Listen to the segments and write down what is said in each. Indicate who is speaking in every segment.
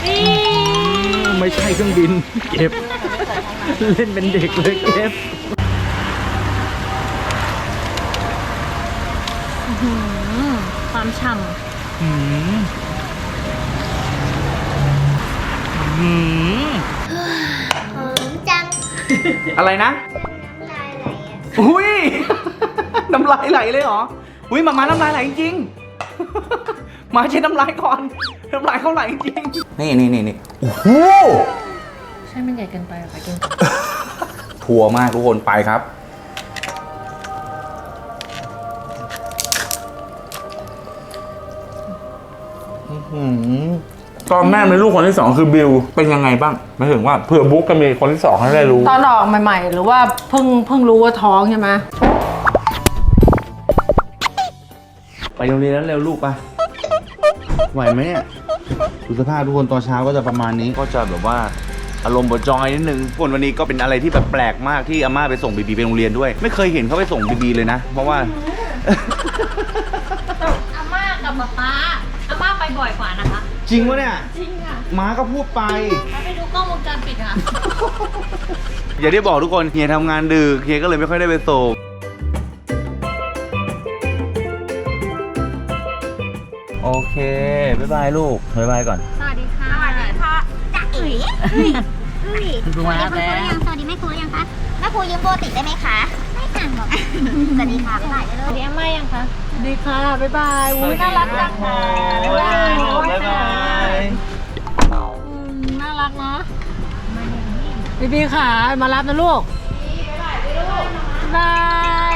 Speaker 1: ไม่ใช่เครื่องบินเก็บเล่นเป็นเด็กเลยเก็บ
Speaker 2: ความฉ่ำ
Speaker 3: หอมจัง
Speaker 1: อะไรนะ
Speaker 3: น้ำลายไหลอ่ะ
Speaker 1: อุ้ย น้ำลายไหลเลยเหรออุ้ยมาน้ำลายไหลจริงๆมาเช็ดน้ำลายก่อนน้ำลายเขาไหลจริงนี่โอ้โห
Speaker 2: ใช่มันใหญ่เกินไปไปกิน
Speaker 1: ทัวร์มากทุกคนไปครับตอนแม่มีลูกคนที่2คือบิวเป็นยังไงบ้างหมายถึงว่าเผื่อบุ๊กก็มีคนที่2ให้ได้รู้
Speaker 4: ตอนออกใหม่ๆหรือว่าเพิ่งรู้ว่าท้องใช่ไหม
Speaker 1: ไปโรงเรียนแล้วเร็วลูกไปไหวไหมเนี่ยดูสภาพทุกคนตอนเช้าก็จะประมาณนี้ก็จะแบบว่าอารมณ์บดจอยนิดนึงคนวันนี้ก็เป็นอะไรที่แบบแปลกมากที่อาม่าไปส่งบีบีไปโรงเรียนด้วยไม่เคยเห็นเขาไปส่งบีบีเลยนะเพราะว่า
Speaker 2: อาม่ากับป๊าอาม่าไปบ่อยกว่านะคะ
Speaker 1: จริงวะเนี่ย
Speaker 2: จริงค่ะ
Speaker 1: ม้าก็พูดไป
Speaker 2: ไปดูกล้องวงจรปิดค่ะ
Speaker 1: อย่าได้บอกทุกคนเฮียทำงานดึกเฮียก็เลยไม่ค่อยได้ไปส่งโอเคบ๊ายบายลูกบ๊ายบายก่อน
Speaker 2: สวัสดีค่ะ
Speaker 3: จ๊ะเอ๋
Speaker 1: คุณครูมาแล้ว
Speaker 3: สวัสดีแม่ครูยังคะแม่ครูยืมโบติดได้ไหมคะไม่อ่านบอกสวัสดีค่ะบ๊ายบาย
Speaker 2: สวัสดีอาม่ายังคะ
Speaker 4: ดีค่ะ บ๊ายบายอุ้ยน่ารักจังค่ะ
Speaker 1: บ๊ายบายบ๊ายบาย
Speaker 4: น่ารักเนาะบีค่ะ มารับนะลูกบาย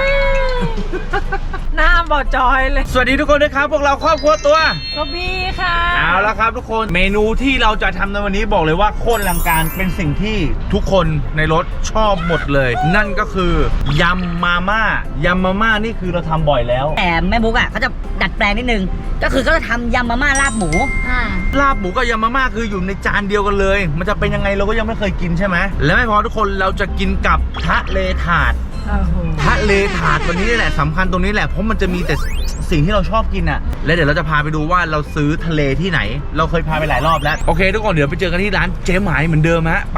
Speaker 4: หน้าบอดจอยเลย
Speaker 1: สวัสดีทุกคนด้วยครับพวกเราครอบครัวตัว
Speaker 4: ก็บีค่ะ
Speaker 1: เอาละครับทุกคนเมนูที่เราจะทำในวันนี้บอกเลยว่าโคตรอลังการเป็นสิ่งที่ทุกคนในรถชอบหมดเลย นั่นก็คือยำมาม่ายำมาม่านี่คือเราทำบ่อยแล้ว
Speaker 5: แต่แม่บุ๊กอ่ะเขาจะดัดแปลงนิดนึง ก็คือเขาจะทำยำมาม่าลาบหมู
Speaker 1: ลาบหมูกับยำมาม่าคืออยู่ในจานเดียวกันเลย มันจะเป็นยังไงเราก็ยังไม่เคยกินใช่ไหมและไม่พอทุกคนเราจะกินกับทะเลถาดทะเลถาดวันนี้นี่แหละสำคัญตรงนี้แหละเพราะมันจะมีแต่สิ่งที่เราชอบกินอ่ะและเดี๋ยวเราจะพาไปดูว่าเราซื้อทะเลที่ไหน เราเคยพาไปหลายรอบแล้วโอเคทุกคนเดี๋ยวไปเจอกันที่ร้านเจ๊หมายเหมือนเดิมฮะไป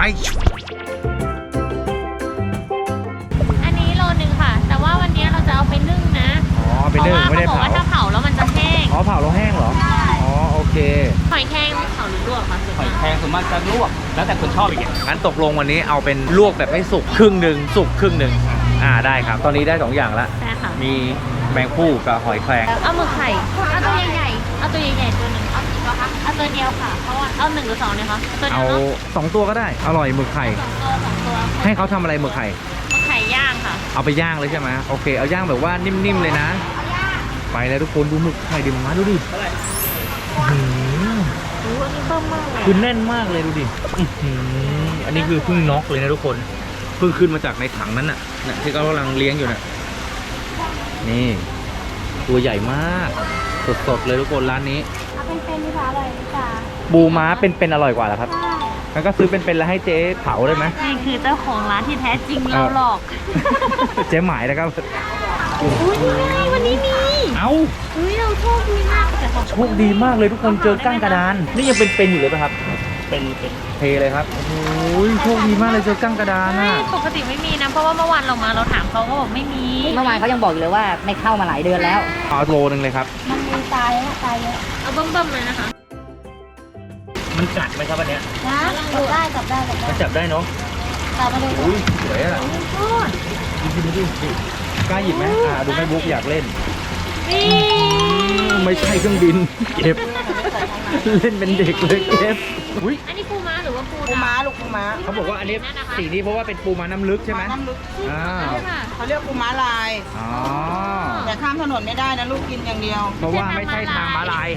Speaker 2: อันนี้โลนึงค่ะ แต่ว่าวันนี้เราจะเอาไปนึ่งนะ
Speaker 1: อ๋อไปนึ่งไม่ได้
Speaker 2: เพราะว่าเขาบอกว่าถ้าเผาแล้วมันจะแห้ง
Speaker 1: อ๋อเผาเราแห้งเหรออ๋อโอเค
Speaker 2: หอยแครงเผาหรือลวกคะส่วน
Speaker 1: หอย
Speaker 2: มาก
Speaker 1: แครงส่วนมากจะลวกแล้วแต่คนชอบอีกงั้นตกลงวันนี้เอาเป็นลวกแบบให้สุกครึ่งหนึ่งสุกครึ่งหนึ่งได้ครับตอนนี้ได้2อย่างละ
Speaker 2: ใช่ค่ะ
Speaker 1: มีแมงผู้กับหอยแครง
Speaker 2: เอาหมึกไข่เอาตัวใหญ่ๆเอาตัวใหญ่ๆตัวหนึ่งเอากี่ตัวคะเอาตัวเดียวค่ะเพราะว่าเอา1 หรือ 2เนี่ยคะตัวเดี
Speaker 1: เอา
Speaker 2: ยวเนาะ
Speaker 1: 2 ตัวก็ได้อร่อยหมึกไข่
Speaker 2: สองตัว
Speaker 1: ให้เขาทำอะไรหมึกไข่
Speaker 2: หมึกไข่ย่างค่ะ
Speaker 1: เอาไปย่างเลยใช่ไหมโอเคเอาย่างแบบว่านิ่มๆเลยนะไปแล้วทุกคนดูหมึกไข่ดิมาดูดิ
Speaker 2: อันนี้เบิ่มมากเลย
Speaker 1: คือแน่นมากเลยดูดิอันนี้คือเพิ่งน็อกเลยนะทุกคนเพิ่งขึ้นมาจากในถังนั้นน่ะที่เขากำลังเลี้ยงอยู่น่ะนี่ตัวใหญ่มากสดๆเลยทุกคนร้านนี้
Speaker 3: เอาเป็นดีกว่าอร่อยดีกว่า
Speaker 1: ปูม้าเป็นอร่อยกว่าเหรอครับงั้นก็ซื้อเป็นแล้วให้เจ๊เผาได้ไหม
Speaker 2: นี่คือเจ้าของร้านที่แท้จริงเราหลอก
Speaker 1: เจ๊หมายนะครับ
Speaker 2: อุ้ยนี่ไงวันนี้มี
Speaker 1: เอ้า
Speaker 2: อุ้ยเราโชคดีมากแต่เขา
Speaker 1: โชคดีมากเลยทุกคนเจอก้างกระดานนี่ยังเป็นอยู่เลยป่ะครับเป็นเทเลยครับโอ้ยโชคดีมากเลยเจอก้างกระดาน
Speaker 2: ไม่
Speaker 1: อ่ะ
Speaker 2: ปกติไม่มีนะเพราะว่าเมื่อวานเรามาเราถามเขาก็บอกไม่มี
Speaker 5: เมื่อวานเขายังบอกอยู่เลยว่าไม่เข้ามาหลายเดือนแล้ว
Speaker 1: เอาโลนึงเลยครับ
Speaker 3: มันมีตายแล้วตายเยอะ
Speaker 2: เอาเบิ่มๆเลยนะคะ
Speaker 1: มันกัดไหมครับอันเนี้ย
Speaker 3: นะดูได้จับได้
Speaker 1: มันจับได้เนาะ
Speaker 3: จับมาดู
Speaker 1: อุ้ยสวยอ่ะดูดิกล้าหยิบไหมดูแม่บุ๊กอยากเล่น
Speaker 2: นี่
Speaker 1: ไม่ใช่เครื่องบินเก็บเล่นเป็นเด็กเลยเก็บอุ้ย
Speaker 2: อันนี้ปูม้าหรือว่าปู
Speaker 4: ปูม้าลูกปูม้า
Speaker 1: เขาบอกว่าอันนี้สีนี้เพราะว่าเป็นปูม้าน้ำลึกใช่ไหม
Speaker 4: น้ำลึก
Speaker 1: อ่า
Speaker 2: ค่ะ
Speaker 4: เขาเรียกปูม้าลาย
Speaker 1: อ๋อ
Speaker 4: แต่ข้ามถนนไม่ได้นะลูกกินอย่างเดียว
Speaker 1: เพราะว่าไม่ใช่ทางม้าลาย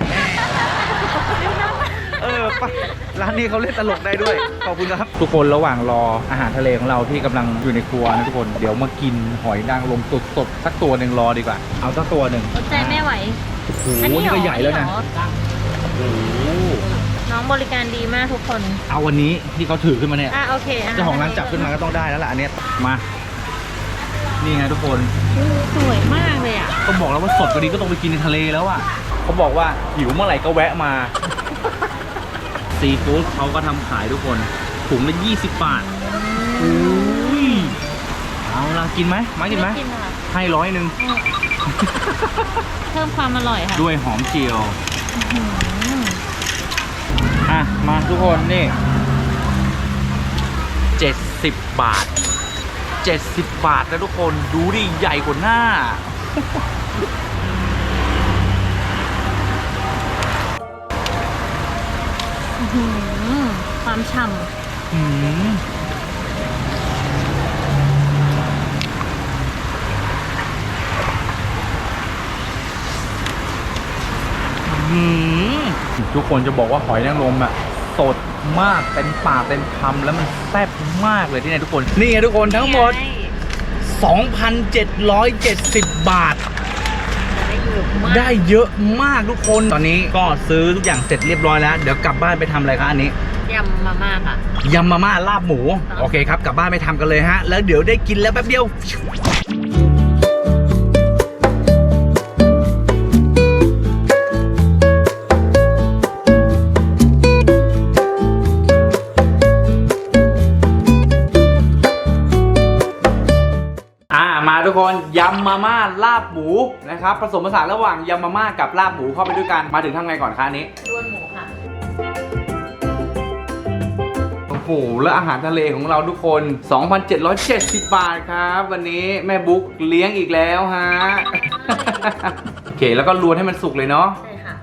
Speaker 1: ไปร้านนี้เขาเล่นตลกได้ด้วยขอบคุณครับทุกคนระหว่างรออาหารทะเลของเราที่กำลังอยู่ในครัวนะทุกคนเดี๋ยวมากินหอยนางรมสดๆสักตัวหนึ่งรอดีกว่าเอาสักตัวหนึ่ง
Speaker 2: อดใจไม่ไหว
Speaker 1: โอ้โหนี่ก็ใหญ่แล้วนะโอ้โห
Speaker 2: น้องบริการดีมากทุกคน
Speaker 1: เอาวันนี้ที่เขาถือขึ้นมาเนี่ย
Speaker 2: โอเค
Speaker 1: เจ้าของร้านจับขึ้นมาก็ต้องได้แล้วล่ะอันเนี้ยมานี่ไงทุกคน
Speaker 2: สวยมากเลยอ่ะ
Speaker 1: ก็บอกแล้วว่าสดกว่านี้ก็ต้องไปกินในทะเลแล้วอ่ะเขาบอกว่าหิวเมื่อไหร่ก็แวะมาซีฟู้ดเขาก็ทำขายทุกคนถุงละ20 บาทอุ้ยเอาล่ะกินไหมมากินไหม
Speaker 2: กินค่ะ
Speaker 1: ให้100
Speaker 2: เพิ่มความอร่อยค่ะ
Speaker 1: ด้วยหอมเจียวอ่ะมาทุกคนนี่70 บาท70 บาทนะทุกคนดูดิใหญ่กว่าหน้า
Speaker 2: ความฉ่
Speaker 1: อืมทุกคนจะบอกว่าหอยนางรมอ่ะสดมากเต็มปากเต็มคำแล้วมันแซ่บมากเลยที่ไหนทุกคนนี่ไงทุกคนทั้งหมด 2,770 บาท ได้เยอะมากทุกคนตอนนี้ก็ซื้อทุกอย่างเสร็จเรียบร้อยแล้วเดี๋ยวกลับบ้านไปทำอะไรคะอันนี้
Speaker 2: ำยำมาม่าค่ะ
Speaker 1: ยำมาม่าลาบหมูโอเคครับกลับบ้านไปทำกันเลยฮะแล้วเดี๋ยวได้กินแล้วแป๊บเดียวมาทุกคนยำมาม่าลาบหมูนะครับผสมผสานระหว่างยำมาม่ากับลาบหมูเข้าไปด้วยกันมาถึงทำไงก่อนคะอันนี้
Speaker 2: ล้วนหมูค่ะ
Speaker 1: โอ้โหแล้วอาหารทะเลของเราทุกคน 2,770 บาทครับวันนี้แม่บุ๊กเลี้ยงอีกแล้วฮะ โอเคแล้วก็รวนให้มันสุกเลยเนาะ
Speaker 2: ใช่ค่ะ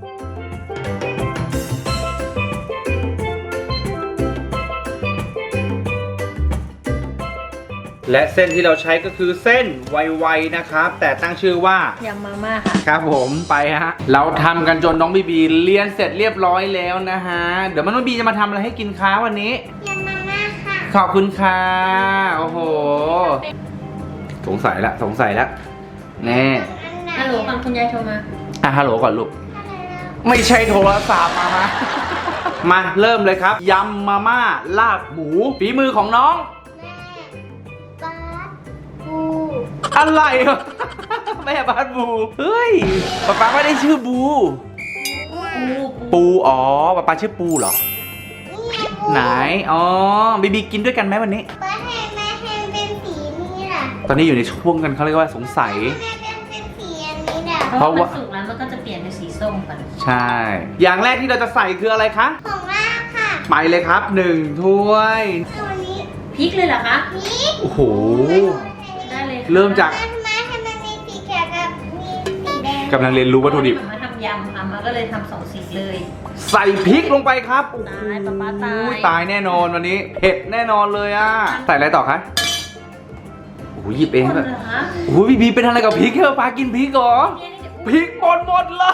Speaker 1: และเส้นที่เราใช้ก็คือเส้นไวๆนะครับแต่ตั้งชื่อว่าย
Speaker 2: ำมาม่าค่ะ
Speaker 1: ครับผมไปฮะเราทำกันจนน้องบีบีเรียนเสร็จเรียบร้อยแล้วนะฮะเดี๋ยวน้องบีจะมาทำอะไรให้กินค้าวันนี้
Speaker 3: ยำมาม่าค่ะ
Speaker 1: ขอบคุณค่ะโอ้โหสงสัยละแน่
Speaker 2: ฮัลโหลฟังคุณยายโทรมา
Speaker 1: ฮัลโหลก่อนลูกไม่ใช่โทรศัพท์มามาเริ่มเลยครับยำมาม่าลาบหมูฝีมือของน้อง
Speaker 3: บาสปู
Speaker 1: อะไรวะ แม่บ้านบูเฮ้ยป๊าไม่ได้ชื่อบูปูอ๋อป๊าชื่อปูเหรอ
Speaker 3: นี่ไงปู
Speaker 1: ไหนอ๋อบีบีกินด้วยกันไหมวันนี้
Speaker 3: บาสให้แม่ให้เป็นสีนี้ล่ะ
Speaker 1: ตอนนี้อยู่ในช่วงกันเขาเรียกว่าสงสัย
Speaker 3: แม่เป็นสีอันนี้ล่ะ
Speaker 2: เพราะว่ามันสุกแล้วมันก็จะเปลี่ยนเป็นสีส้มกัน
Speaker 1: ใช่ อย่างแรกที่เราจะใส่คืออะไรคะ
Speaker 3: ของลาบค่ะ
Speaker 1: ไปเลยครับ1 ถ้วย
Speaker 3: ตัวนี้
Speaker 2: พริกเลยเหรอคะ
Speaker 3: นี่
Speaker 1: โอ้โห
Speaker 2: ได้เลยค่ะ
Speaker 1: เริ่มจาก
Speaker 3: ทำไมให้มันมีสีเขียวกับมีสีแดง
Speaker 1: กำลังเรียนรู้วัตถุดิบ
Speaker 2: มาทำยำค่ะมันก็เลยทำ2 สีเลย
Speaker 1: ใส่พริกลงไปครับโอ้โห
Speaker 2: ตายป๊าป๊าตาย
Speaker 1: ตายแน่นอนวันนี้เผ็ดแน่นอนเลยอ่ะใส่อะไรต่อคะโอ้โหหยิบเอง
Speaker 2: คน
Speaker 1: แบบ
Speaker 2: เหรอคะ
Speaker 1: โอ้โหบีเป็นอะไรกับพริกเหรอป้ากินพริกเหรอ
Speaker 2: เนี่ยนี่
Speaker 1: พริกหมดเลย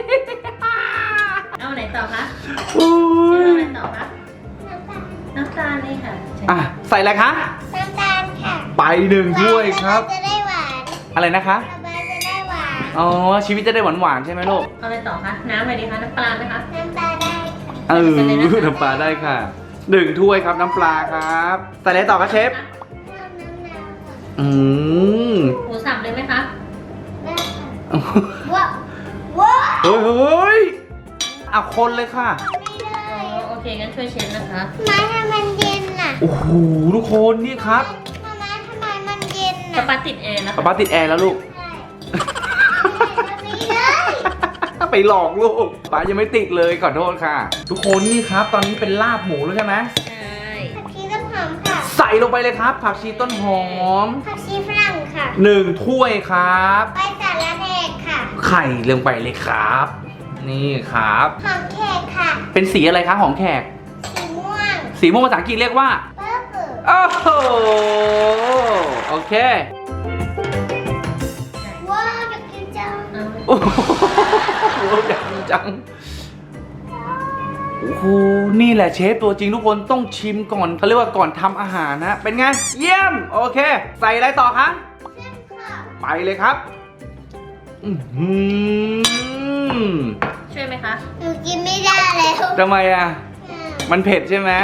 Speaker 2: เอาไหนต่อคะ
Speaker 1: โอ้ย
Speaker 2: เอาไหนต่อคะน้ำตาลนี่ค่ะ
Speaker 1: อ่ะใส่อะไรคะ
Speaker 3: น้ำตาลค่ะ
Speaker 1: ไป1 ถ้วยครับ
Speaker 3: จะได้หวาน
Speaker 1: อะไรนะคะ
Speaker 3: บาสจะได้หวาน
Speaker 1: อ๋อชีวิตจะได้หวานๆใช่ไหมลูก
Speaker 2: เอาอะไรต่อคะน้ำอะไรดีคะน้ำปลาไหมคะ
Speaker 3: น้ำตาลได้ค่ะ
Speaker 1: น้ำปลาได้ค่ะ1 ถ้วยครับน้ำปลาครับใส่อะไรต่อคะเชฟ
Speaker 3: น้ำมะนาวค่ะ
Speaker 1: อืม
Speaker 2: หมูสับเลยไหมคะ
Speaker 3: ได้ค่ะว้าวว้าว
Speaker 1: เฮ้ยเอาคนเลยค่ะ
Speaker 3: ไม่ได้
Speaker 2: อ๋อโอเคงั้นช่วยเชฟนะคะ
Speaker 3: มาทำมันเย็นน่ะ
Speaker 1: โอ้โหทุกคนนี่ครับ
Speaker 3: มาทำไมมันเย็น
Speaker 2: กระ
Speaker 3: น่ะ
Speaker 2: ปาติดแอร์นะคะ
Speaker 1: ป้าติดแอร์แล้วลูก
Speaker 3: ใช่ไม่เลย
Speaker 1: ไปหลอกลูกป้ายังไม่ติดเลยขอโทษค่ะ ทุกคนนี่ครับ ตอนนี้เป็นลาบหมูแล้วใช่ไหม
Speaker 2: ใช่
Speaker 3: ผักชีต้นหอมค่ะ
Speaker 1: ใส่ลงไปเลยครับ ผักชีต้นหอม
Speaker 3: ผักชีฝรั่งค่ะ
Speaker 1: 1 ถ้วยครับ
Speaker 3: ใบสาระแหนกค่ะ
Speaker 1: ไข่ลงไปเลยครับ นี่ครับ
Speaker 3: หอมแขกค่ะ
Speaker 1: เป็นสีอะไรคะหอมแขก
Speaker 3: สีม่วง
Speaker 1: สีม่วงภาษาอังกฤษเรียกว่า
Speaker 3: เปอร์เปิล
Speaker 1: โอ้โหโอเค
Speaker 3: ว้าวอยากกินจัง
Speaker 2: เอา
Speaker 1: โอ้โหอยากกินจังโอ้โหนี่แหละเชฟตัวจริงทุกคนต้องชิมก่อนเขาเรียกว่าก่อนทำอาหารนะ เป็นไง เยี่ยม โอเค ใส่อะไรต่อคะ
Speaker 3: เช่นค่ะ
Speaker 1: ไปเลยครับอื้อหือ
Speaker 2: ช่วยไหมคะ
Speaker 3: หนูกินไม่ได้แล้ว
Speaker 1: ทำไมอ่ะ มันเผ็ดใช่ไหม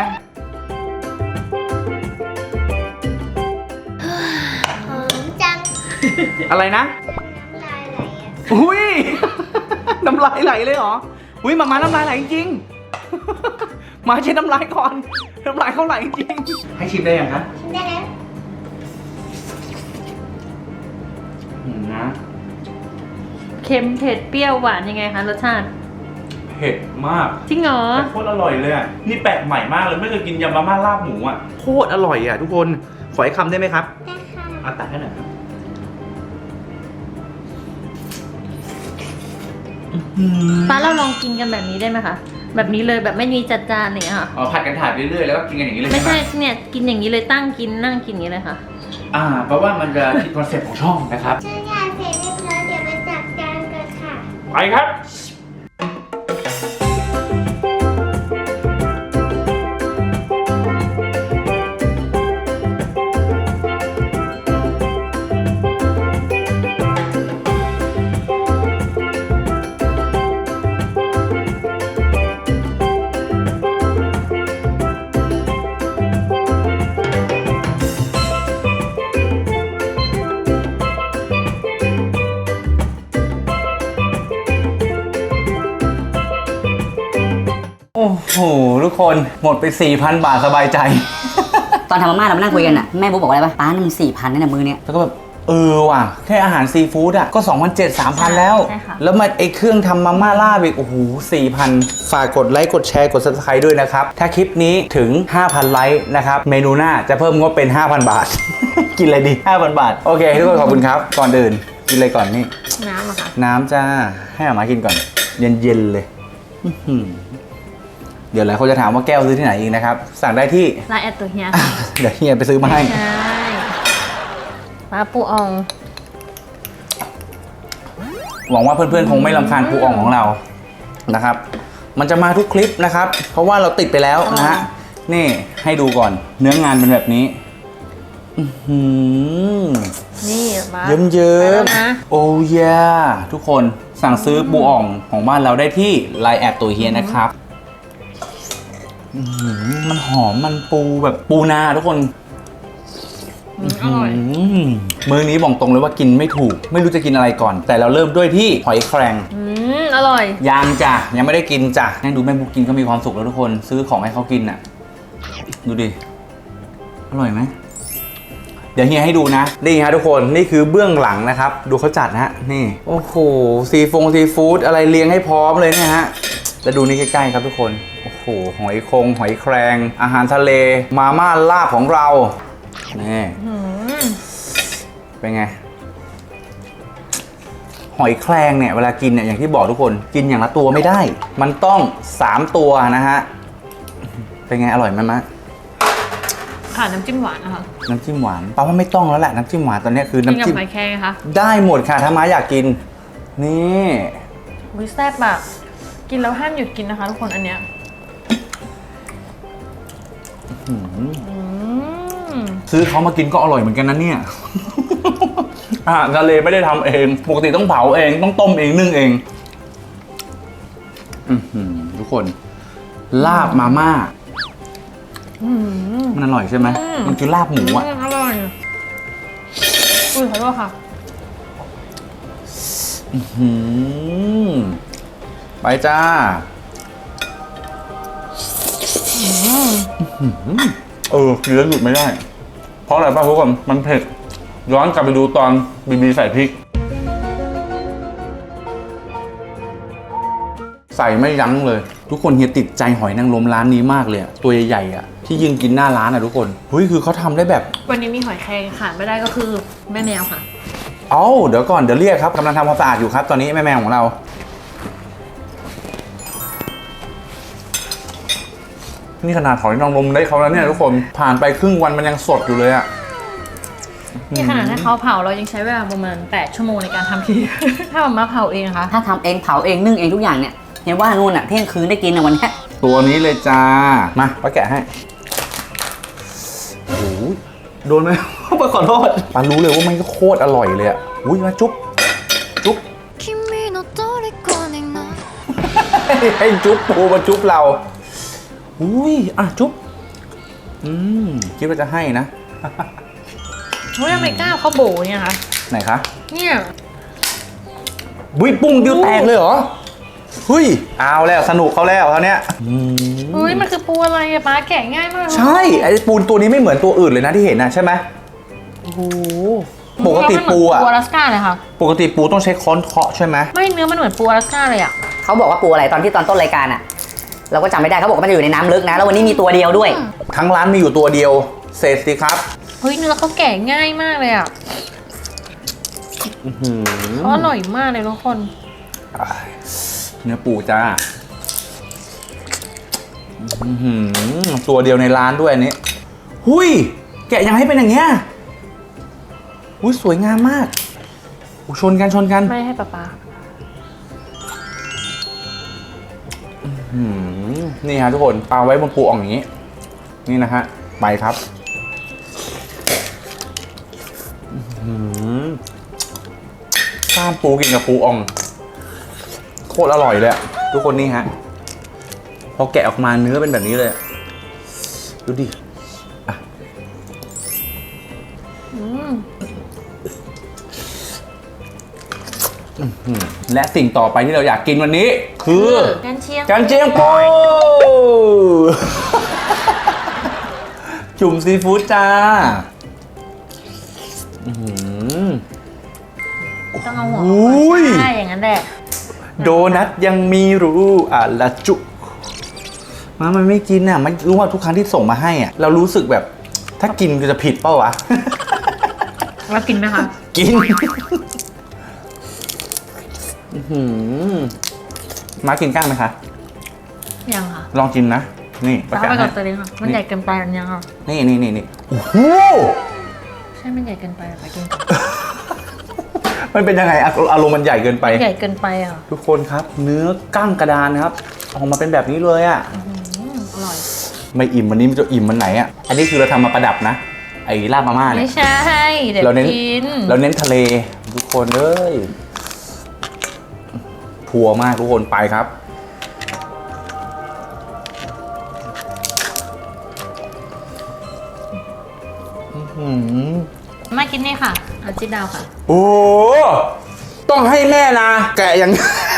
Speaker 3: หอมจัง
Speaker 1: อะไรนะ
Speaker 3: น้ำลายไหลอ่ะ
Speaker 1: อุ้ย น้ำลายไหลเลยเหรอ อุ้ยมาน้ำลายไหลจริงๆมาเช็ดน้ำลายก่อนน้ำลายเขาไหลจริงให้ชิมได้ยังครับ
Speaker 3: ชิมได้แล้ว
Speaker 1: นะ
Speaker 2: เค็มเผ็ดเปรี้ยวหวานยังไงคะรสชาติ
Speaker 1: เผ็ดมาก
Speaker 2: จริงเหรอ
Speaker 1: แต่โคตรอร่อยเลยอ่ะนี่แปลกใหม่มากเลยไม่เคยกินยำมาม่าลาบหมูอ่ะโคตรอร่อยอ่ะทุกคนขออีกคำได้ไหมครับ
Speaker 3: ได้ค่ะ
Speaker 1: เอาตักให้หน่อยครับ
Speaker 2: ป้าเราลองกินกันแบบนี้ได้ไหมคะ แบบนี้เลยแบบไม่มีจัดจานอะไรอย่างเงี้ยค่ะ
Speaker 1: อ๋อผัดกันถ่ายเรื่อยๆแล้วก็กินกันอย่างนี้เลย
Speaker 2: ไม่
Speaker 1: ใช่ไหม
Speaker 2: ใช่เนี่ยกินอย่างนี้เลยตั้งกินนั่งกินอย่างนี้เลยค่ะ
Speaker 1: เพราะว่ามันจะคิดคอนเซ็ปต์ของช่องนะครับ
Speaker 3: เชิญยาเสร็จเรียบร้อยเดี๋ยวไปจัดจานกันค่ะ
Speaker 1: ไปครับโอ้โหทุกคนหมดไป 4,000 บาทสบายใจ
Speaker 5: ตอนทำมาม่าเรามานั่งคุยกันอ่ะแม่บุ๊กบอกว่าอะไรปะป้านี่มัน4,000นั่นน่ะมือเนี้ย
Speaker 1: แล้วก็แบบว่ะแค่อาหารซีฟู้ดอ่ะก็ 2,700-3,000 แล้ว
Speaker 2: ใช่ค่ะ
Speaker 1: แล้วมาไอ้เครื่องทำมาม่าล่าอีกโอ้โห 4,000 ฝากกดไลค์กดแชร์กด Subscribe ด้วยนะครับ ถ้าคลิปนี้ถึง 5,000 ไลค์นะครับ เมนูหน้าจะเพิ่มงบเป็น 5,000 บาท กินอะไรดี 5,000 บาท โอเคทุกคนขอบคุณครับ ก่อนอื่นกินอะไรก่อนนี่
Speaker 2: น้ำอะค่ะ
Speaker 1: น้ำจ้าให้อามากินก่อน เย็นๆเลยอื้อหือเดี๋ยวหลายคนจะถามว่าแก้วซื้อที่ไหนอีกนะครับ สั่งได้ที่
Speaker 2: ลายแอดตัวเฮียค่ะ
Speaker 1: เดี๋ยวเฮียไปซื้อมาให้
Speaker 2: ใช่ปลาปูออง
Speaker 1: หวังว่าเพื่อนๆคงไม่รำคาญปูอ่องของเรานะครับ มันจะมาทุกคลิปนะครับ เพราะว่าเราติดไปแล้วนะฮะ นี่ให้ดูก่อนเนื้องานเป็นแบบนี้ อื้อหือ
Speaker 2: นี่มา
Speaker 1: เยิ้ม
Speaker 2: ไปแล้วนะ
Speaker 1: ๆโอ้ยทุกคนสั่งซื้อปูอ่องของบ้านเราได้ที่ไลน์แอดตัวเฮียนะครับอื้อหือมันหอมมันปูแบบปูนาทุกคน
Speaker 2: อร่อย
Speaker 1: มื้อนี้บอกตรงเลยว่ากินไม่ถูก ไม่รู้จะกินอะไรก่อน แต่เราเริ่มด้วยที่หอยแครง
Speaker 2: อร่อย
Speaker 1: ยังจ้ะยังไม่ได้กินจ้ะให้ดูแม่บุ๊กกินก็มีความสุขแล้วทุกคนซื้อของให้เขากินน่ะดูดิอร่อยไหมเดี๋ยวเฮียให้ดูนะนี่ฮะทุกคนนี่คือเบื้องหลังนะครับดูเขาจัดนะฮะนี่โอ้โหซีฟู้ดอะไรเลี้ยงให้พร้อมเลยเนี่ยฮะแล้วดูนี่ใกล้ๆครับทุกคนโอ้โหหอยแครงอาหารทะเลมาม่าลาบของเรานี่เป็นไงหอยแครงเนี่ยเวลากินเนี่ยอย่างที่บอกทุกคนกินอย่างละตัวไม่ได้ มันต้อง3ตัวนะฮะเป็นไงอร่อยไหมมะ
Speaker 2: ค่ะน้ำจิ้มหวานนะคะ
Speaker 1: น้ำจิ้มหวานป้าว่าไม่ต้องแล้วแหละน้ำจิ้มหวานตอนนี้คือ
Speaker 2: กิน
Speaker 1: น้ำ
Speaker 2: กับ
Speaker 1: จิ้ม
Speaker 2: หอยแครงคะ
Speaker 1: ได้หมดค่ะถ้าม้าอยากกินนี่
Speaker 6: วิแซ่บอะกินแล้วห้ามหยุดกินนะคะทุกคนอันเนี้ย
Speaker 1: ซื้อเขามากินก็อร่อยเหมือนกันนะเนี่ย อาหารทะเลไม่ได้ทำเองปกติต้องเผาเองต้องต้มเองนึ่งเองทุกคนลาบมาม่ามันอร่อยใช่ไหมมันคือลาบหมูอ่ะ
Speaker 6: อร่อยอุ้ยขอโทษค่ะ
Speaker 1: ไปจ้ากินแล้วหยุดไม่ได้เพราะอะไรป่ะทุกคนมันเผ็ดย้อนกลับไปดูตอนบีใส่พริกใส่ไม่ยั้งเลยทุกคนเฮียติดใจหอยนางรมร้านนี้มากเลยตัวใหญ่ๆอ่ะที่ยืนกินหน้าร้านอ่ะทุกคนเฮ้ยคือเขาทำได้แบบ
Speaker 6: วันนี้มีหอยแครงขาดไม่ได้ก็คือแม่แมวค่ะ
Speaker 1: เอ้าเดี๋ยวก่อนเดี๋ยวเรียกครับกำลังทำความสะอาดอยู่ครับตอนนี้แม่แมวของเรานี่ขนาดหอยนางรมได้เขาแล้วเนี่ยทุกคนผ่านไปครึ่งวันมันยังสดอยู่เลยอ่ะ
Speaker 6: นี่ขนาดให้เขาเผาเรายังใช้เวลาประมาณ8 ชั่วโมงในการทำที ถ้ามันมาเผาเองนะคะ
Speaker 5: ถ้าทำเองเผาเองนึ่งเองทุกอย่างเนี่ยเห็นว่านู่นอ่ะเที่ยงคืนได้กินอ่ะวันเนี้ย
Speaker 1: ตัวนี้เลยจ้ามาป้าแกะให้โอ้โหโดนไหม ป้าขอโทษป้ารู้เลยว่ามันก็โคตรอร่อยเลยอ่ะอุ้ยมาจุ๊บให้จุ๊บปูมาจุ๊บเราอุ้ยอ่ะจุ๊บคิดว่าจะให้นะ
Speaker 6: เฮ้ยทำไมกล้าเขาโบเนี่ยคะ
Speaker 1: ไหนคะ
Speaker 6: เนี่ย
Speaker 1: บุ้ยปุ้งเดียวแตกเลยเหรอเฮ้ยเอาแล้วสนุกเขาแล้วเขาเนี้ย
Speaker 6: อุ้ยมันคือปูอะไรอะป้าแกะง่ายมาก
Speaker 1: ใช่ไอ้ปูตัวนี้ไม่เหมือนตัวอื่นเลยนะที่เห็นนะใช่ไหม
Speaker 6: โอ้โห
Speaker 1: ปกติปูอะ
Speaker 6: ปูอลาสก้าเลยค่ะ
Speaker 1: ปกติปูต้องใช้ค้อนเคาะใช่ไหม
Speaker 6: ไม่เนื้อมันเหมือนปูอลาสก้าเลยอะ
Speaker 5: เขาบอกว่าปูอะไรตอนต้นรายการอะเราก็จำไม่ได้เขาบอกว่ามันจะอยู่ในน้ำลึกนะ แล้ววันนี้มีตัวเดียวด้วย
Speaker 1: ทั้งร้านมีอยู่ตัวเดียวเศษสิครับ
Speaker 6: เฮ้ยเนื้อเขาแกะง่ายมากเลยอะเขาอร่อยมากเลยทุกคน
Speaker 1: เนื้อปูจ้าตัวเดียวในร้านด้วยอันนี้หุยแกะยังให้เป็นอย่างเงี้ยหุยสวยงามมากชนกัน
Speaker 6: ไม่ให้ป้า
Speaker 1: นี่ฮะทุกคนปาไว้บนปูอ่องอย่างนี้ นี่นะฮะไปครับกล้ามปูกินกับปูอ่องโคตรอร่อยเลยอะทุกคนนี่ฮะพอแกะออกมาเนื้อเป็นแบบนี้เลยดูดิอ่ะและสิ่งต่อไปที่เราอยากกินวันนี้คือ
Speaker 6: กันเชียง
Speaker 1: กันเชียงปู จุ่มซีฟู้ดจ้า
Speaker 6: ต้องเอาหัว
Speaker 1: อุ้ย
Speaker 6: ใช่อย่างนั้นแหละ
Speaker 1: โดนัทยังมีรู้ละจุมันไม่กินอ่ะมันรู้ว่าทุกครั้งที่ส่งมาให้อ่ะเรารู้สึกแบบถ้ากินก็จะผิดเปล่าวะ
Speaker 6: เรากินไหมคะ
Speaker 1: กินมากินก้างไหมคะ
Speaker 6: ยังค่ะ
Speaker 1: ลองกินนะ นี่
Speaker 6: ป้าไปกับตัวเองค่ะมันใหญ่เกินไปอันยังค่ะ
Speaker 1: นี่โอ้โห
Speaker 6: ใช่มันใหญ่เกินไปป้ากิน
Speaker 1: มันเป็นยังไงอารมณ์มันใหญ่เกินไป
Speaker 6: ใหญ่เกินไปอ่ะ
Speaker 1: ทุกคนครับเนื้อกั้งกระดานนะครับออกมาเป็นแบบนี้เลยอ่ะ
Speaker 6: อร่อย
Speaker 1: ไม่อิ่มวันนี้มันจะอิ่มมันไหนอ่ะอันนี้คือเราทำมาประดับนะไอ้ลาบมาม่าเนี่
Speaker 6: ไม่
Speaker 1: ย
Speaker 6: ใช่เดี๋ยว
Speaker 1: เราเน้น
Speaker 6: กิน
Speaker 1: เราเน้นทะเลทุกคนเอ้ยพัวมากทุกคนไปครับ
Speaker 6: มากินนี่ค่ะอาจิดาวค่ะ
Speaker 1: โอ้ต้องให้แม่นะแกะอย่าง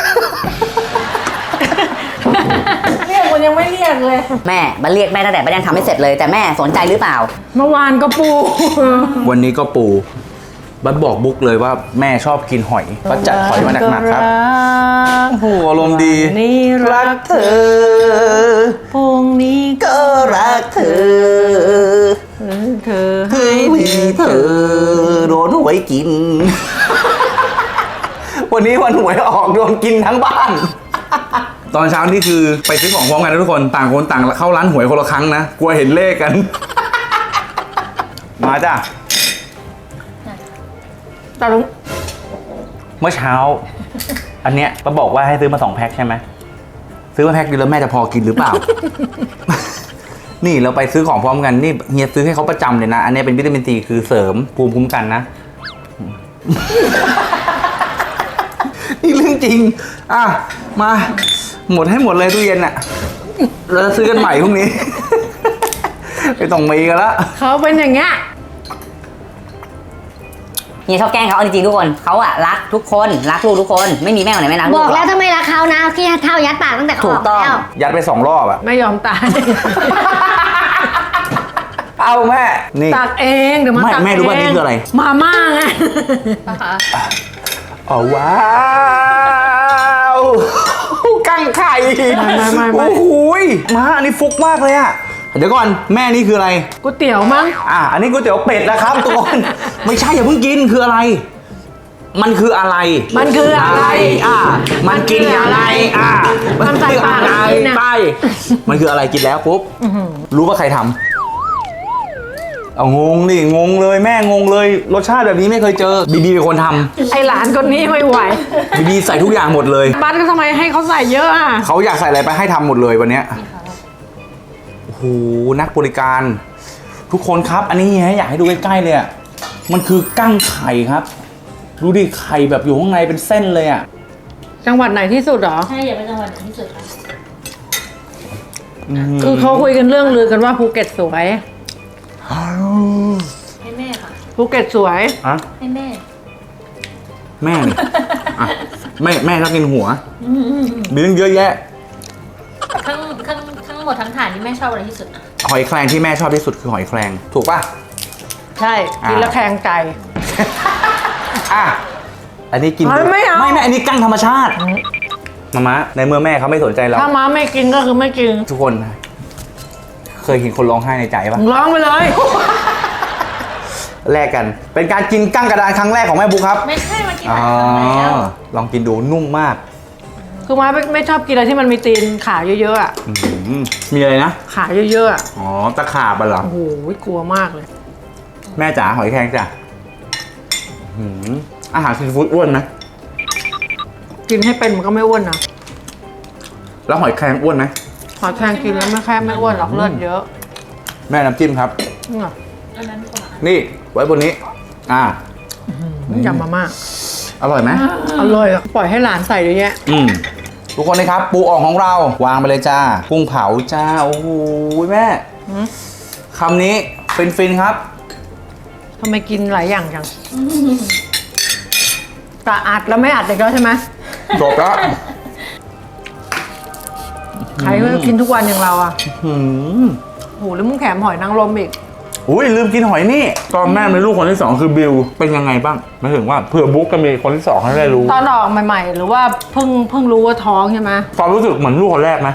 Speaker 4: เรียกมันยังไม่เรียกเลย
Speaker 5: แม่มาเรียกแม่ตั้งแต่ยังทำไม่เสร็จเลย แต่แม่สนใจหรือเปล่า
Speaker 4: เมื่อวานก็ปู
Speaker 1: วันนี้ก็ปูบัดบอกบุ๊กเลยว่าแม่ชอบกินหอยบัดจัดหอยมาหนักๆครับโอ้โหอารมณ์ดี
Speaker 4: นี่รักเธอ
Speaker 5: พรุ่งนี้ก็รักเธอ
Speaker 4: เธอ
Speaker 5: ให้มีเธอโดนหวยกิน
Speaker 1: วันนี้วันหวยออกโดนกินทั้งบ้าน ตอนเช้านี่คือไปซื้อของพร้อมกันนะทุกคนต่างคนต่างเข้าร้านหวยคนละครั้งนะกลัวเห็นเลขกัน มาจ้ะ
Speaker 4: ตาลุง
Speaker 1: เมื่อเช้า อันเนี้ยป้าบอกว่าให้ซื้อมา2 แพ็คใช่ไหมซื้อมาแพ็คเดียวแล้วแม่จะพอกินหรือเปล่า นี่เราไปซื้อของพร้อมกันนี่เฮียซื้อให้เขาประจำเลยนะอันนี้เป็นวิตามินซีคือเสริมภูมิคุ้มกันนะ นี่เรื่องจริงอ่ะมาหมดให้หมดเลยตู้เย็นอะแล้วซื้อกันใหม่พรุ่งนี้ ไม่ต้องมีกันละ
Speaker 4: เขาเป็นอย่างเงี้ย
Speaker 5: เฮียชอบแกล้งเขาเอาจริงๆทุกคนเขาอะรักทุกคนรักลูกทุกคนไม่มีแม่คนไหนไม่รักลู
Speaker 3: บ
Speaker 5: ก
Speaker 3: อก
Speaker 5: หร
Speaker 3: แล้วถ้าไม่รักเขานะขี้เท่ายัดปากตั้งแต่เขา
Speaker 5: ถู
Speaker 3: อก อก
Speaker 5: ต้อง
Speaker 3: แล้ว
Speaker 1: ยัดไป2 รอบอะ
Speaker 4: ไม่ยอมตาย
Speaker 1: เอาแม่นี่
Speaker 4: ตักเองเดี๋ยวมา
Speaker 1: ไม่
Speaker 4: ตัก
Speaker 1: แม่รู้ว่านี่คืออะไร
Speaker 4: มาม่าไง
Speaker 6: นะคะ
Speaker 1: อ๋อว้าวกั้งไข่
Speaker 4: ไม่
Speaker 1: โอ้โหยมาอันนี้ฟุกมากเลยอะเดี๋ยวก่อนแม่นี่คืออะไร
Speaker 4: ก๋วยเตี๋ยวมั้ง
Speaker 1: อันนี้ก๋วยเตี๋ยวเป็ดนะครับทุกคน ไม่ใช่อย่าเพิ่งกินคืออะไร มันคืออะไร
Speaker 4: มันคืออะไร
Speaker 1: มันกินอะไร
Speaker 4: มันใส่ปาก
Speaker 1: อะไร
Speaker 4: กินอะ
Speaker 1: ไปมันคืออะไรกินแล้วปุ๊บรู้ว่าใครทำเอางงดิงงเลยแม่งงเลยรสชาติแบบนี้ไม่เคยเจอบีบีเป็นคนท
Speaker 4: ไอหลานคนนี้ไม่ไหว
Speaker 1: ำบีบีใส่ทุกอย่างหมดเลย
Speaker 4: บ้านก็ทำไมให้เขาใส่เยอะอ่ะ
Speaker 1: เขาอยากใส่อะไรไปให้ทำหมดเลยวันเนี้ยโอ้โหนักบริการ ทุกคนครับอันนี้อยากให้ดูใกล้ๆเลยอ่ะมันคือกั้งไข่ครับดูดิไข่แบบอยู่ข้างในเป็นเส้นเลยอ่ะ
Speaker 4: จังหวัดไหนที่สุดเหรอ
Speaker 6: ใช่อย่าไปจังหวัดไหนที่สุดค่ะ
Speaker 4: คือเขาคุยกันเรื่องลือกันว่าภูเก็ตสวย
Speaker 6: ให้แม่ค่ะ
Speaker 4: ภูเก็ตสวย
Speaker 1: อะ
Speaker 6: ให้แม่
Speaker 1: แม่นี่อ่ะแม่ชอบกินหัวมีเรื่องเยอะแยะ
Speaker 6: ทั้งหมดทั้งถาดนี่แม่ชอบอะไรที่สุดอะ
Speaker 1: หอยแครงที่แม่ชอบที่สุดคือหอยแครงถูกป่ะ
Speaker 4: ใช่ กินแล้วแข็งใจ
Speaker 1: อ่ะอันนี้กิน
Speaker 4: ไม่เอา
Speaker 1: ไม่อันนี้กั้งธรรมชาติมาในเมื่อแม่เขาไม่สนใจเรา
Speaker 4: ถ้าม้าไม่กินก็คือไม่กิน
Speaker 1: ทุกคนเคยเห็นคนร้องไห้ในใจป่ะ
Speaker 4: ร้องไปเลย
Speaker 1: แลกกันเป็นการกินกั้งกระดานครั้งแรกของแม่บุ๊คครับ
Speaker 6: ไม่ใช่มากิน
Speaker 1: อ๋อ
Speaker 6: อาหารแล้ว
Speaker 1: ลองกินดูนุ่มมาก
Speaker 4: คือม้าไม่ชอบกินอะไรที่มันมีตีนขาเยอะๆอ่ะ
Speaker 1: อื้อหือมีอะไรนะ
Speaker 4: ขาเยอะๆอ่ะ
Speaker 1: อ๋อตะขาบอ่ะเหรอ
Speaker 4: โอ้โหกลัวมากเลย
Speaker 1: แม่จ๋าหอยแครงจ้ะอื้อหืออาหารซีฟู้ดอ้วนไหม
Speaker 4: กินให้เป็นมันก็ไม่อ้วนนะ
Speaker 1: แล้วหอยแครงอ้วนไหม
Speaker 4: หอยแครงกินแล้วไม่อ้วนหรอกเลือดเยอะ
Speaker 1: แม่น้ำจิ้มครับ
Speaker 4: นี่ไง
Speaker 6: อันนั้นคนละ
Speaker 1: นี่ไว้บนนี้
Speaker 4: ยำมาม่า
Speaker 1: อร่อยไหม
Speaker 4: อร่อยอ่ะปล่อยให้หลานใส่เยอะแยะ
Speaker 1: ทุกคนนะครับ ปูอ่องของเราวางไปเลยจ้ากุ้งเผาจ้าโอ้โหแม่คำนี้ฟินๆครับ
Speaker 4: ทำไมกินหลายอย่างจังแต่อัดแล้วไม่อัดอีกแล้วใช่ไหม
Speaker 1: จบแล้ว
Speaker 4: ใครก็กินทุกวันอย่างเราอ่ะ
Speaker 1: หืม
Speaker 4: โหแล้วมึงแถมหอยนางรมอีก
Speaker 1: อุ้ยลืมกินหอยนี่ตอนแม่มีลูกคนที่สองคือบิวเป็นยังไงบ้างหมายถึงว่าเผื่อบุ๊กจะมีคนที่สองให้ได้รู้
Speaker 4: ตอนออกใหม่ๆ หรือว่าเพิ่งรู้ว่าท้องใช่ไหม
Speaker 1: ความรู้สึกเหมือนลูกคนแรกไหม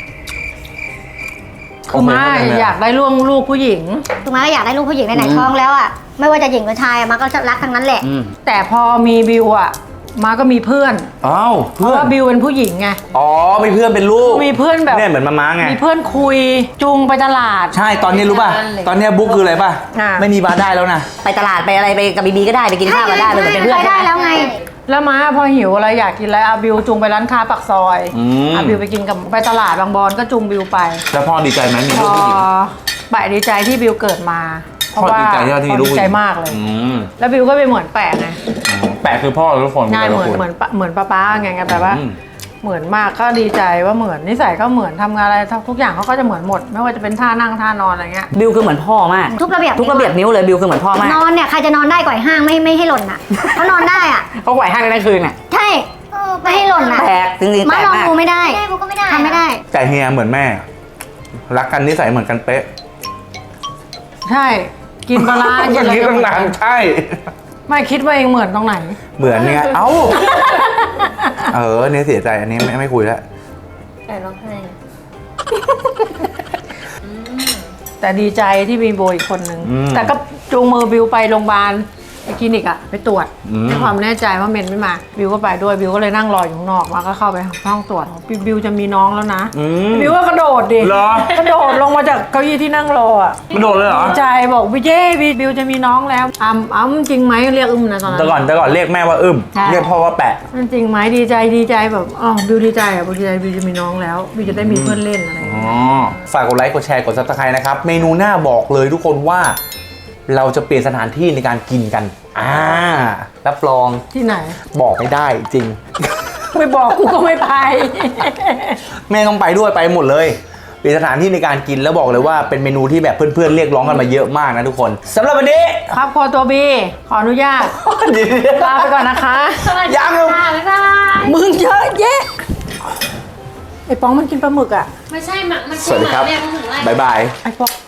Speaker 4: คือมาอยากได้ลูกผู้หญิง
Speaker 3: ถูกไหมก็อยากได้ลูกผู้หญิงไหนๆท้องแล้วอ่ะไม่ว่าจะหญิงหรือชายอะมาก็จะรักทั้งนั้นแหละ
Speaker 4: แต่พอมีบิวอ่ะมาก็มีเพื่อน
Speaker 1: อ้าว
Speaker 4: เพ
Speaker 1: เพื่
Speaker 4: ราะ
Speaker 1: อน
Speaker 4: ว่าบิวเป็นผู้หญิงไง
Speaker 1: อ๋อมีเพื่อนเป็นลูก
Speaker 4: มีเพื่อนแบบ
Speaker 1: เนี่ยเหมือนมาไง
Speaker 4: มีเพื่อนคุยจูงไปตลาด
Speaker 1: ใช่ตอนนี้รู้ป่ะตอนนี้บุ๊กคืออะไรป่ะ
Speaker 4: อ่า
Speaker 1: ไม่มีบาร์ได้แล้วนะ
Speaker 5: ไปตลาดไปอะไรไปกับบีบีก็ได้ไปกินข้าวก็ได้ไปเหมือนเป็นเพื่อน
Speaker 3: ไป
Speaker 5: ใช่
Speaker 3: ได้
Speaker 5: ไหม
Speaker 3: แล้วไง
Speaker 4: แล้วมาพอหิวอะไรอยากกินอะไรอาบิวจูงไปร้านค้าปากซอยบิวไปกินกับไปตลาดบางบอนก็จูงบิวไป
Speaker 1: แล้วพ่อดีใจไหมมี
Speaker 4: พ
Speaker 1: ลูก
Speaker 4: อ
Speaker 1: ผู้หญิง
Speaker 4: แปะดีใจที่บิวเกิดมาเพ
Speaker 1: พ่อ
Speaker 4: ราะว่า
Speaker 1: ดีใจที่เราที่มีลูก
Speaker 4: ดี
Speaker 1: ผู้ห
Speaker 4: ใจ
Speaker 1: ญิง
Speaker 4: มากเลย
Speaker 1: อืม
Speaker 4: แล้วบิวก็ไปเหมือนแปะไง
Speaker 1: แปะคือพ่อทุกคน
Speaker 4: ง่ายเหมือน
Speaker 1: แต่ละค
Speaker 4: เหมือนป้าไงแบบว่า
Speaker 1: อืม
Speaker 4: เหมือนมากก็ดีใจว่าเหมือนนิสัยก็เหมือนทำงานอะไรทุกอย่างเขาก็จะเหมือนหมด ไม่ว่าจะเป็นท่านั่งท่านอนอะไรเงี้ย
Speaker 5: บิวคือเหมือนพ่อมาก
Speaker 3: ทุกระเบียบ
Speaker 5: ทุกระเบียบนิ้วเลยบิวคือเหมือนพ่อมาก
Speaker 3: นอนเนี่ยใครจะนอนได้ก่อยห้างไม่ให้หล่นอ่ะเขานอนได้อ่ะ
Speaker 5: เขาไหวห้างได้คืนน่ะ
Speaker 3: ใช่ไม่ให้หล่นอ่ะ
Speaker 5: แตกจริงๆ
Speaker 3: มา
Speaker 5: แตก
Speaker 3: ลอง
Speaker 5: มาก
Speaker 3: ดูไม่ได้ได้ก็ไม่ได้ทำไม่ได้
Speaker 1: แต่เฮียเหมือนแม่ รักกันนิสัยเหมือนกันเป๊ะ
Speaker 4: ใช่กินปลาร้า
Speaker 1: ก็
Speaker 4: กินอะไร
Speaker 1: คิด
Speaker 4: ก็
Speaker 1: ตั้งนานใช่
Speaker 4: ไม่คิดว่าเองเหมือนตรงไหน
Speaker 1: เหมือนไงเอ้าเนี่ยเสียใจอันนี้ไม่คุยแล้ว
Speaker 6: แต่ร้องไห้
Speaker 4: แต่ดีใจที่มีโบอีกคนนึงแต่ก็จูงมือบิวไปโรงพยาบาลไปคลินิกอะไปตรวจให้ความแน่ใจว่าเมนไม่มาบิวก็ไปด้วยบิวก็เลยนั่งรออยู่ข้างนอกมาก็เข้าไปห้องตรวจบิวจะมีน้องแล้วนะบิวก็กระโดดดิ
Speaker 1: เหรอก
Speaker 4: ระโดดลงมาจากเก้าอี้ที่นั่งรออะ
Speaker 1: มันโดดเลยเหรอ
Speaker 4: ดีใจบอกพี่เจ้บิวจะมีน้องแล้วจริงไหมเรียกนะตอนนั้น
Speaker 1: แต่ก่อนเรียกแม่ว่า
Speaker 4: ใช่
Speaker 1: เรียกพ่อว่าแปะ
Speaker 4: จริงไหมดีใจแบบบิวดีใจบิวดีใจบิวจะมีน้องแล้วบิวจะได้มีเพื่อนเล่นอะไรอย่างเงี้ย
Speaker 1: ฝากกดไลค์กดแชร์กด Subscribe นะครับ เมนูหน้าบอกเลยทุกคนว่า เราจะเปลี่ยนสถานที่ในการกินกันรับรอง
Speaker 4: ที่ไหน
Speaker 1: บอกไม่ได้จริง
Speaker 4: ไม่บอกกูก็ไม่ไป
Speaker 1: แม่ต้องไปด้วยไปหมดเลยเปลี่ยนสถานที่ในการกินแล้วบอกเลยว่าเป็นเมนูที่แบบเพื่อนๆเรียกร้องกันมาเยอะมากนะทุกคนสำหรับวันนี้
Speaker 4: ครอบครัวตัวบีขออนุญาตลาไปก่อนนะคะ
Speaker 1: ยัง
Speaker 6: บ๊ายบาย
Speaker 4: มึงเยอะแยะไอ้ป้องมันกินปลาหมึกอ่ะ
Speaker 6: ไม่ใช่มัน
Speaker 1: สวัสดีครับ
Speaker 6: เรียกมันถึงไร
Speaker 1: บ๊ายบาย
Speaker 4: ไอ้ป้อง